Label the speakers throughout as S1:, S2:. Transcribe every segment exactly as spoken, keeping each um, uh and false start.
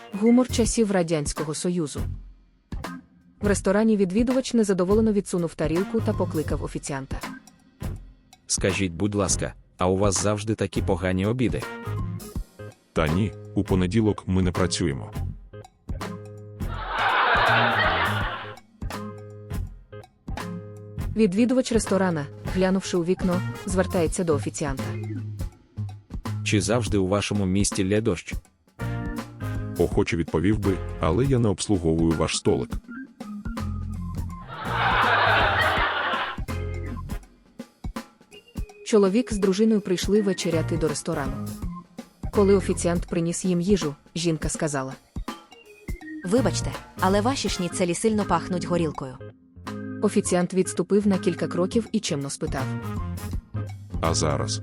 S1: Гумор часів Радянського Союзу. В ресторані відвідувач незадоволено відсунув тарілку та покликав офіціанта.
S2: Скажіть, будь ласка, а у вас завжди такі погані обіди?
S3: Та ні, у понеділок ми не працюємо.
S1: Відвідувач ресторана, глянувши у вікно, звертається до офіціанта.
S2: Чи завжди у вашому місті лє дощ?
S3: Охоче відповів би, але я не обслуговую ваш столик.
S1: Чоловік з дружиною прийшли вечеряти до ресторану. Коли офіціант приніс їм їжу, жінка сказала:
S4: Вибачте, але ваші шніцелі сильно пахнуть горілкою.
S1: Офіціант відступив на кілька кроків і чемно спитав:
S3: А зараз?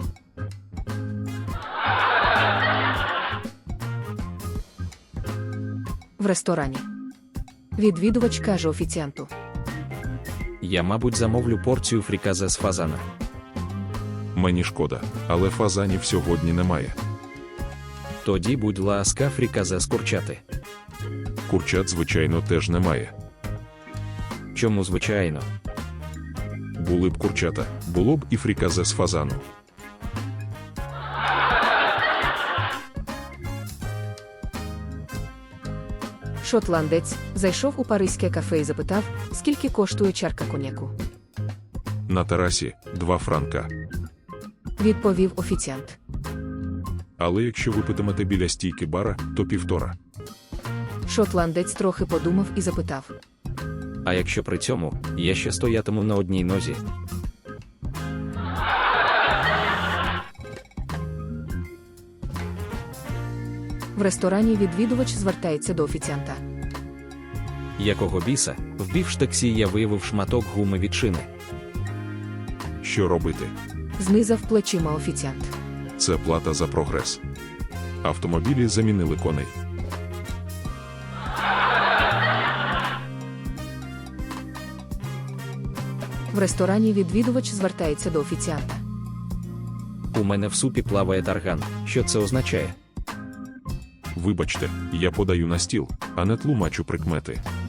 S1: В ресторані. Відвідувач каже офіціанту:
S2: Я, мабуть, замовлю порцію фріказе з фазана.
S3: Мені шкода, але фазанів сьогодні немає.
S2: Тоді, будь ласка, фріказе з курчати.
S3: Курчат, звичайно, теж немає.
S2: Чому звичайно?
S3: Були б курчата, було б і фріказе з фазану.
S1: Шотландець зайшов у паризьке кафе і запитав, скільки коштує чарка коньяку.
S3: На терасі – два франка.
S1: Відповів офіціант.
S3: Але якщо ви питимете біля стійки бара, то півтора.
S1: Шотландець трохи подумав і запитав:
S2: А якщо при цьому я ще стоятиму на одній нозі?
S1: В ресторані відвідувач звертається до офіціанта.
S2: Якого біса, в бівштексі я виявив шматок гуми від шини.
S3: Що робити?
S1: Знизав плечима офіціант.
S3: Це плата за прогрес. Автомобілі замінили коней.
S1: В ресторані відвідувач звертається до офіціанта.
S2: У мене в супі плаває тарган. Що це означає?
S3: Вибачте, я подаю на стіл, а не тлумачу прикмети.